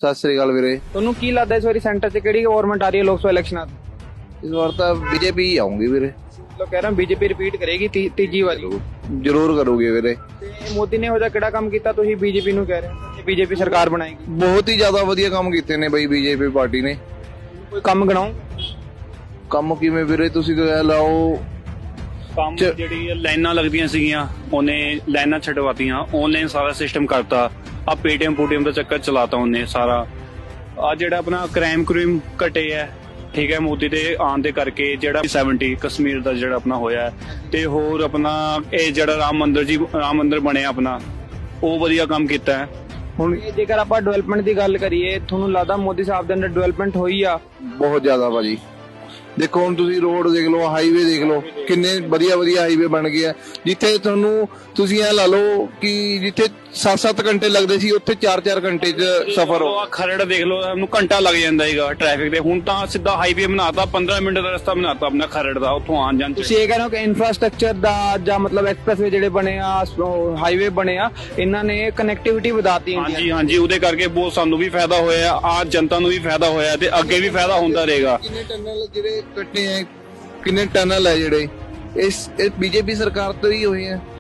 ਸਤਿ ਸ੍ਰੀ ਅਕਾਲ ਵੀਰੇ। ਤੁਹਾਨੂੰ ਕੀ ਲੱਗਦਾ ਇਸ ਵਾਰੀ ਸੈਂਟਰ 'ਚ ਕਿਹੜੀ ਗਵਰਨਮੈਂਟ ਆ ਰਹੀ ਹੈ ਲੋਕ ਸਭਾ ਇਲੈਕਸ਼ਨਾਂ 'ਚ? ਇਸ ਵਾਰ ਤਾਂ ਬੀਜੇਪੀ ਹੀ ਆਉਂਗੀ ਵੀਰੇ। ਲੋਕ ਕਹਿ ਰਹੇ ਬੀਜੇਪੀ ਰਿਪੀਟ ਕਰੇਗੀ ਤੀਜੀ ਵਾਰੀ। ਜ਼ਰੂਰ ਕਰੂਗੀ ਵੀਰੇ। ਤੇ ਮੋਦੀ ਨੇ ਇਹੋ ਜਿਹਾ ਕਿਹੜਾ ਕੰਮ ਕੀਤਾ ਤੁਸੀਂ ਬੀਜੇਪੀ ਨੂੰ ਕਹਿ ਰਹੇ ਹੋ ਕਿ ਬੀਜੇਪੀ ਸਰਕਾਰ ਬਣਾਏਗੀ? ਬਹੁਤ ਹੀ ਜ਼ਿਆਦਾ ਵਧੀਆ ਕੰਮ ਕੀਤੇ ਨੇ ਬਈ ਬੀਜੇਪੀ ਪਾਰਟੀ ਨੇ। ਕੋਈ ਕੰਮ ਗਣਾਓ। ਕੰਮ ਕਿਵੇਂ ਵੀਰੇ, ਤੁਸੀਂ ਕਹਿ ਲਾਓ। ਕੰਮ ਜਿਹੜੀ ਲਾਈਨਾਂ ਲੱਗਦੀਆਂ ਸੀਗੀਆਂ ਉਹਨੇ ਲਾਈਨਾਂ ਛਡਵਾਤੀਆਂ, ਆਨਲਾਈਨ ਸਾਰਾ ਸਿਸਟਮ ਕਰਤਾ। ਆ ਪੇਟੀਐਮ ਦਾ ਚੱਕਰ ਚਲਾਤਾ ਉਹਨੇ ਸਾਰਾ। ਆ ਜਿਹੜਾ ਆਪਣਾ ਕ੍ਰਾਈਮ ਘਟੇ ਹੈ, ਠੀਕ ਹੈ, ਮੋਦੀ ਦੇ ਆਉਣ ਦੇ ਕਰਕੇ। ਜਿਹੜਾ 70 ਕਸ਼ਮੀਰ ਦਾ ਜਿਹੜਾ ਆਪਣਾ ਹੋਇਆ, ਤੇ ਹੋਰ ਆਪਣਾ ਇਹ ਜਿਹੜਾ ਰਾਮ ਮੰਦਿਰ ਬਣਿਆ ਆਪਣਾ, ਉਹ ਵਧੀਆ ਕੰਮ ਕੀਤਾ ਹੈ। ਹੁਣ ਜੇਕਰ ਆਪਾਂ ਡਿਵੈਲਪਮੈਂਟ ਦੀ ਗੱਲ ਕਰੀਏ, ਤੁਹਾਨੂੰ ਲੱਗਦਾ ਮੋਦੀ ਸਾਹਿਬ ਦੇ ਅੰਦਰ ਡਿਵੈਲਪਮੈਂਟ ਹੋਈ ਆ? ਬਹੁਤ ਜ਼ਿਆਦਾ ਭਾਜੀ। ਦੇਖੋ ਹੁਣ ਤੁਸੀਂ ਰੋਡ ਦੇਖ ਲਓ, ਹਾਈਵੇ ਦੇਖ ਲਓ, ਕਿੰਨੇ ਵਧੀਆ ਹਾਈਵੇ ਬਣ ਗਏ ਆ। ਜਿੱਥੇ ਤੁਹਾਨੂੰ ਤੁਸੀਂ ਇਹ ਲਾ ਲਓ ਕਿ ਜਿੱਥੇ 7-7 ਘੰਟੇ ਲੱਗਦੇ ਸੀ ਉੱਥੇ 4-4 ਘੰਟੇ 'ਚ ਸਫ਼ਰ ਹੋ। ਖਰੜ ਦੇਖ ਲਓ, ਉਹਨੂੰ ਘੰਟਾ ਲੱਗ ਜਾਂਦਾ ਹੈਗਾ ਟ੍ਰੈਫਿਕ ਤੇ। ਹੁਣ ਤਾਂ ਸਿੱਧਾ ਹਾਈਵੇ ਬਣਾਤਾ, 15 ਮਿੰਟ ਦਾ ਰਸਤਾ ਬਣਾਤਾ ਆਪਣਾ ਖਰੜ ਦਾ, ਉੱਥੋਂ ਆਉਣ ਜਾਣ। ਤੁਸੀਂ ਇਹ ਕਹਿ ਰਹੇ ਹੋ ਕਿ ਇਨਫਰਾਸਟ੍ਰਕਚਰ ਦਾ ਜਾਂ ਮਤਲਬ ਐਕਸਪ੍ਰੈਸਵੇ ਜਿਹੜੇ ਬਣੇ ਆ, ਹਾਈਵੇ ਬਣੇ ਆ, ਇਹਨਾਂ ਨੇ ਕਨੈਕਟੀਵਿਟੀ ਵਧਾਤੀ ਇੰਡੀਆ। ਹਾਂਜੀ, ਉਹਦੇ ਕਰਕੇ ਬਹੁਤ ਸਾਨੂੰ ਵੀ ਫਾਇਦਾ ਹੋਇਆ, ਆ ਜਨਤਾ ਨੂੰ ਵੀ ਫਾਇਦਾ ਹੋਇਆ, ਤੇ ਅੱਗੇ ਵੀ ਫਾਇਦਾ ਹੁੰਦਾ ਰਹੇਗਾ। ਕਿੰਨੇ ਟਨਲ ਜਿਹੜੇ ਕੱਟੇ ਆ, ਕਿੰਨੇ ਟਨਲ ਹੈ ਜਿਹੜੇ ਇਸ ਬੀਜੇਪੀ ਸਰਕਾਰ ਤੋਂ ਹੀ ਹੋਏ ਆ।